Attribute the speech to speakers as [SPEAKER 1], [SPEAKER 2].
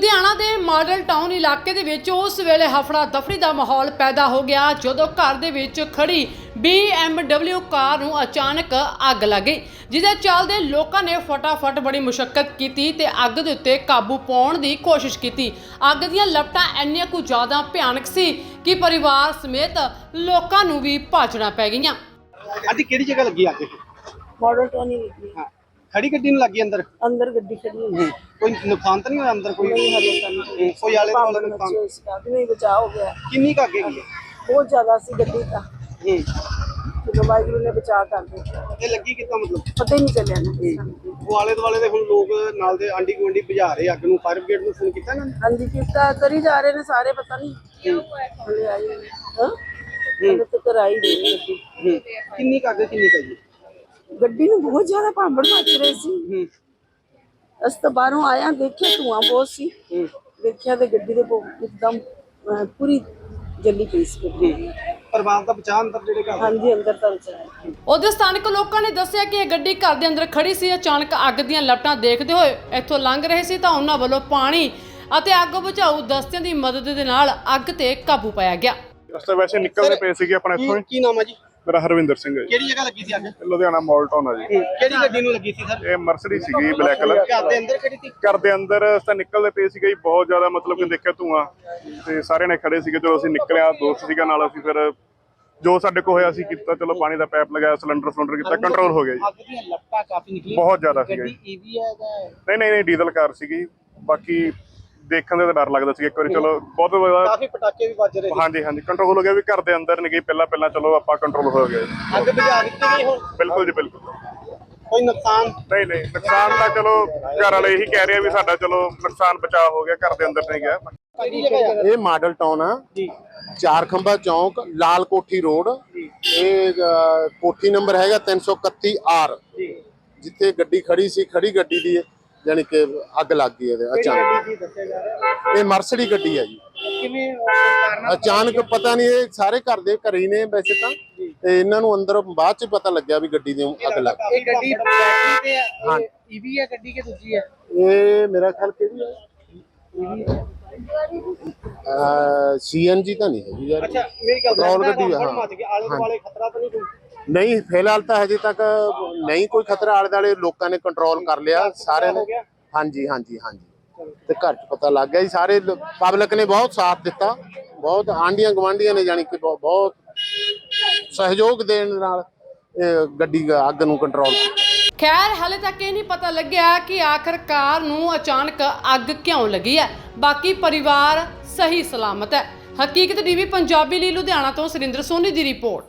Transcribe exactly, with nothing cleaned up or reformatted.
[SPEAKER 1] ਲੁਧਿਆਣਾ ਦੇ model town ਇਲਾਕੇ ਦੇ ਵਿੱਚ ਉਸ ਵੇਲੇ ਹਫੜਾ ਦਫੜੀ ਦਾ ਮਾਹੌਲ ਪੈਦਾ ਹੋ ਗਿਆ ਜਦੋਂ ਘਰ ਦੇ ਵਿੱਚ ਖੜੀ ਬੀ ਐਮ ਡਬਲਿਊ ਕਾਰ ਨੂੰ ਅਚਾਨਕ ਅੱਗ ਲੱਗ ਗਈ, ਜਿਹਦੇ ਚੱਲਦੇ ਲੋਕਾਂ ਨੇ ਫਟਾਫਟ ਬੜੀ ਮੁਸ਼ੱਕਤ ਕੀਤੀ ਤੇ ਅੱਗ ਦੇ ਉੱਤੇ ਕਾਬੂ ਪਾਉਣ ਦੀ ਕੋਸ਼ਿਸ਼ ਕੀਤੀ। ਅੱਗ ਦੀਆਂ ਲਪਟਾਂ ਇੰਨੀਆਂ ਕੁ ਜ਼ਿਆਦਾ ਭਿਆਨਕ ਸੀ ਕਿ ਪਰਿਵਾਰ ਸਮੇਤ ਲੋਕਾਂ ਨੂੰ ਵੀ ਭਾਜਣਾ ਪੈ ਗਈਆਂ।
[SPEAKER 2] ਅੱਜ ਕਿਹੜੀ ਜਗ੍ਹਾ ਲੱਗੀ ਅੱਗ?
[SPEAKER 3] मॉडल टाउन ही लगी है।
[SPEAKER 2] हाँ, खड़ी गड्डी में लगी अंदर?
[SPEAKER 3] अंदर गड्डी खड़ी है।
[SPEAKER 2] कोई नुकसान तो नहीं हुआ अंदर? कोई
[SPEAKER 3] नहीं हले तक नहीं।
[SPEAKER 2] कोई आले
[SPEAKER 3] पाँव
[SPEAKER 2] दुआले
[SPEAKER 3] में
[SPEAKER 2] नुकसान?
[SPEAKER 3] बच्चे उसका भी नहीं बचाव हो गया।
[SPEAKER 2] किन्नी का आगे गई है?
[SPEAKER 3] बहुत ज्यादा सी गड्डी का तो बाइक ने बचा कर दिया।
[SPEAKER 2] ये लगी कितना मतलब
[SPEAKER 3] पता ही नहीं चलिया ना।
[SPEAKER 2] वो आले दुआले दे हुण लोग नाल दे आंडी गुआंढी बुझा रहे अग नूं, फायर ब्रिगेड नूं फोन कीता ना?
[SPEAKER 3] हाँ जी कितना करी जा रहे ने सारे, पता नहीं हले आई हां हले तो कराई रही गड्डी।
[SPEAKER 2] किन्नी का आगे किन्नी का जी?
[SPEAKER 3] गड्डी ਨੂੰ ਬਹੁਤ ਜ਼ਿਆਦਾ ਭਾਂਬੜ ਮੱਚ ਰਹੀ ਸੀ। ਅਸ ਤਾਂ ਬਾਹਰੋਂ ਆਇਆ ਦੇਖਿਆ ਧੂਆਂ ਬਹੁਤ ਸੀ, ਦੇਖਿਆ ਤੇ ਗੱਡੀ ਦੇ ਇੱਕਦਮ ਪੂਰੀ ਜੱਲੀ ਪਈ ਸੀ ਗੱਡੀ।
[SPEAKER 2] ਪਰਿਵਾਰ ਦਾ ਬਚਾਅ ਅੰਦਰ ਜਿਹੜੇ ਘਰ?
[SPEAKER 3] ਹਾਂਜੀ ਅੰਦਰ ਤਾਂ ਬਚਾਇਆ।
[SPEAKER 1] ਉਹਦੇ ਸਥਾਨਕ ਲੋਕਾਂ ਨੇ ਦੱਸਿਆ ਕਿ ਇਹ ਗੱਡੀ ਘਰ ਦੇ ਅੰਦਰ ਖੜੀ ਸੀ। ਅਚਾਨਕ ਅੱਗ ਦੀਆਂ ਲਪਟਾਂ ਦੇਖਦੇ ਹੋਏ ਇੱਥੋਂ ਲੰਘ ਰਹੇ ਸੀ ਤਾਂ ਉਹਨਾਂ ਵੱਲੋਂ ਪਾਣੀ ਅਤੇ ਅੱਗ ਬੁਝਾਊ ਦਸਤਿਆਂ ਦੀ ਮਦਦ ਦੇ ਨਾਲ ਅੱਗ ਤੇ ਕਾਬੂ ਪਾਇਆ ਗਿਆ।
[SPEAKER 4] ਅਸਾਂ ਵੈਸੇ ਨਿਕਲਦੇ ਪਏ ਸੀਗੇ ਆਪਣੇ ਇੱਥੋਂ ਹੀ।
[SPEAKER 2] ਕੀ ਨਾਮ ਹੈ ਜੀ?
[SPEAKER 4] ਮੇਰਾ ਹਰਵਿੰਦਰ ਸਿੰਘ ਹੈ ਜੀ।
[SPEAKER 2] ਕਿਹੜੀ ਜਗ੍ਹਾ ਲੱਗੀ ਸੀ ਅੱਗ?
[SPEAKER 4] ਲੁਧਿਆਣਾ ਮਾਡਲ ਟਾਊਨ ਆ ਜੀ।
[SPEAKER 2] ਕਿਹੜੀ ਗੱਡੀ ਨੂੰ ਲੱਗੀ ਸੀ ਸਰ?
[SPEAKER 4] ਇਹ ਮਰਸਡੀ ਸੀਗੀ ਬਲੈਕ ਕਲਰ।
[SPEAKER 2] ਘਰ ਦੇ ਅੰਦਰ ਕਿਹੜੀ ਸੀ?
[SPEAKER 4] ਘਰ ਦੇ ਅੰਦਰ ਅਸਾਂ ਨਿਕਲਦੇ ਪਏ ਸੀਗੇ ਜੀ, ਬਹੁਤ ਜ਼ਿਆਦਾ ਮਤਲਬ ਕਿ ਦੇਖਿਆ ਧੂਆਂ ਤੇ ਸਾਰਿਆਂ ਨੇ ਖੜੇ ਸੀਗੇ। ਜਦੋਂ ਅਸੀਂ ਨਿਕਲਿਆ ਦੋਸਤ ਸੀਗਾ ਨਾਲ, ਅਸੀਂ ਫਿਰ ਜੋ ਸਾਡੇ ਕੋਲ ਹੋਇਆ ਸੀ ਕੀਤਾ। ਚਲੋ ਪਾਣੀ ਦਾ ਪਾਈਪ ਲਗਾਇਆ, ਸਿਲੰਡਰ ਸਿਲੰਡਰ ਕੀਤਾ, ਕੰਟਰੋਲ ਹੋ ਗਿਆ ਜੀ।
[SPEAKER 2] ਅੱਗ ਦੀਆਂ ਲਪਟਾਂ ਕਾਫੀ ਨਿਕਲੀਆਂ,
[SPEAKER 4] ਬਹੁਤ ਜ਼ਿਆਦਾ ਸੀਗਾ ਜੀ।
[SPEAKER 2] ਗੱਡੀ ਈਵੀ ਹੈ ਜਾਂ
[SPEAKER 4] ਨਹੀਂ ਨਹੀਂ ਨਹੀਂ ਡੀਜ਼ਲ ਕਾਰ ਸੀਗੀ। ਬਾਕੀ ਦੇਖਣ ਦੇ ਤਾਂ ਡਰ ਲੱਗਦਾ ਸੀ ਇੱਕ ਵਾਰੀ। ਚਲੋ ਬਹੁਤ ਜ਼ਿਆਦਾ
[SPEAKER 2] ਕਾਫੀ ਪਟਾਕੇ ਵੀ ਵੱਜ ਰਹੇ ਸੀ।
[SPEAKER 4] ਹਾਂਜੀ ਹਾਂਜੀ ਕੰਟਰੋਲ ਹੋ ਗਿਆ ਵੀ ਘਰ ਦੇ ਅੰਦਰ ਨਹੀਂ ਗਈ ਪਹਿਲਾਂ ਪਹਿਲਾਂ। ਚਲੋ ਆਪਾਂ ਕੰਟਰੋਲ ਹੋ ਗਿਆ ਜੀ।
[SPEAKER 2] ਅੱਗ ਬੁਝਾ ਦਿੱਤੀ ਗਈ ਹੁਣ?
[SPEAKER 4] ਬਿਲਕੁਲ ਜੀ ਬਿਲਕੁਲ।
[SPEAKER 2] ਕੋਈ ਨੁਕਸਾਨ
[SPEAKER 4] ਨਹੀਂ ਨਹੀਂ ਨੁਕਸਾਨ ਤਾਂ ਚਲੋ ਘਰ ਵਾਲੇ ਇਹੀ ਕਹਿ ਰਹੇ ਆ ਵੀ ਸਾਡਾ ਚਲੋ ਨੁਕਸਾਨ ਬਚਾਅ ਹੋ ਗਿਆ, ਘਰ ਦੇ ਅੰਦਰ ਨਹੀਂ ਗਿਆ।
[SPEAKER 2] ਕਿਹੜੀ ਜਗ੍ਹਾ ਹੈ?
[SPEAKER 5] ਇਹ ਮਾਡਲ ਟਾਊਨ ਆ
[SPEAKER 2] ਜੀ।
[SPEAKER 5] ਚਾਰ ਖੰਭਾ ਚੌਂਕ, ਲਾਲ ਕੋਠੀ ਰੋਡ। ਇਹ ਅ, ਕੋਠੀ ਨੰਬਰ ਹੈਗਾ ਤਿੰਨ ਸੌ ਇਕੱਤੀ ਆਰ। ਜਿੱਥੇ ਗੱਡੀ ਖੜੀ ਸੀ, ਖੜੀ ਗੱਡੀ ਦੀ ਜਾਨੀ ਕਿ ਅੱਗ ਲੱਗ ਗਈ ਇਹਦੇ ਅਚਾਨਕ।
[SPEAKER 2] ਕੀ ਦੱਸਿਆ ਜਾ ਰਿਹਾ?
[SPEAKER 5] ਇਹ ਮਰਸਡੀ ਗੱਡੀ ਹੈ ਜੀ।
[SPEAKER 2] ਕਿਵੇਂ ਕਾਰਨ?
[SPEAKER 5] ਅਚਾਨਕ ਪਤਾ ਨਹੀਂ, ਇਹ ਸਾਰੇ ਘਰ ਦੇ ਘਰੇ ਹੀ ਨੇ ਵੈਸੇ ਤਾਂ, ਤੇ ਇਹਨਾਂ ਨੂੰ ਅੰਦਰ ਬਾਅਦ ਚ ਪਤਾ ਲੱਗਿਆ ਵੀ ਗੱਡੀ ਦੀ ਅੱਗ ਲੱਗ ਗਈ।
[SPEAKER 2] ਇਹ ਗੱਡੀ ਬੈਟਰੀ ਤੇ ਹੈ?
[SPEAKER 5] ਹਾਂ।
[SPEAKER 2] ਈਵੀ ਹੈ ਗੱਡੀ ਕਿ ਦੂਜੀ ਹੈ?
[SPEAKER 5] ਇਹ ਮੇਰਾ ਖਿਆਲ ਕਿਹੜੀ ਹੈ, ਸੀ ਐਨ ਜੀ ਤਾਂ ਨਹੀਂ ਹੈਗੀ ਯਾਰ।
[SPEAKER 2] ਅੱਛਾ ਮੇਰੀ ਗੱਲ
[SPEAKER 5] ਪੈਟਰੋਲ ਗੱਡੀ ਆ।
[SPEAKER 2] ਹਾਂ ਮੱਚ ਗਿਆ, ਆਲੇ ਦੁਆਲੇ ਖਤਰਾ ਤਾਂ ਨਹੀਂ ਕੋਈ?
[SPEAKER 5] ਨਹੀਂ ਫਿਲਹਾਲ ਤਾਂ ਹਜੇ ਤੱਕ ਨਹੀਂ ਕੋਈ ਖਤਰਾ। ਆਲੇ ਦੁਆਲੇ ਲੋਕਾਂ ਨੇ ਕੰਟਰੋਲ ਕਰ ਲਿਆ ਸਾਰਿਆਂ ਨੇ। ਹਾਂਜੀ ਹਾਂਜੀ ਹਾਂਜੀ ਤੇ ਘਰ ਚ ਪਤਾ ਲੱਗ ਗਿਆ ਜੀ। ਸਾਰੇ ਪਬਲਿਕ ਨੇ ਬਹੁਤ ਸਾਥ ਦਿੱਤਾ, ਬਹੁਤ ਆਂਢੀਆਂ ਗਵਾਂਢੀਆਂ ਨੇ ਜਾਨੀ ਕਿ ਬਹੁਤ ਸਹਿਯੋਗ ਦੇਣ ਨਾਲ ਇਹ ਗੱਡੀ ਅੱਗ ਨੂੰ ਕੰਟਰੋਲ ਕੀਤਾ।
[SPEAKER 1] ਖੈਰ ਹਾਲੇ ਤੱਕ ਇਹ ਨਹੀਂ ਪਤਾ ਲੱਗਿਆ ਕਿ ਆਖਰਕਾਰ ਨੂੰ ਅਚਾਨਕ ਅੱਗ ਕਿਉਂ ਲੱਗੀ ਹੈ। ਬਾਕੀ ਪਰਿਵਾਰ ਸਹੀ ਸਲਾਮਤ ਹੈ। ਹਕੀਕਤ ਟੀਵੀ ਪੰਜਾਬੀ ਲਈ ਲੁਧਿਆਣਾ ਤੋਂ ਸੁਰਿੰਦਰ ਸੋਨੀ ਦੀ ਰਿਪੋਰਟ।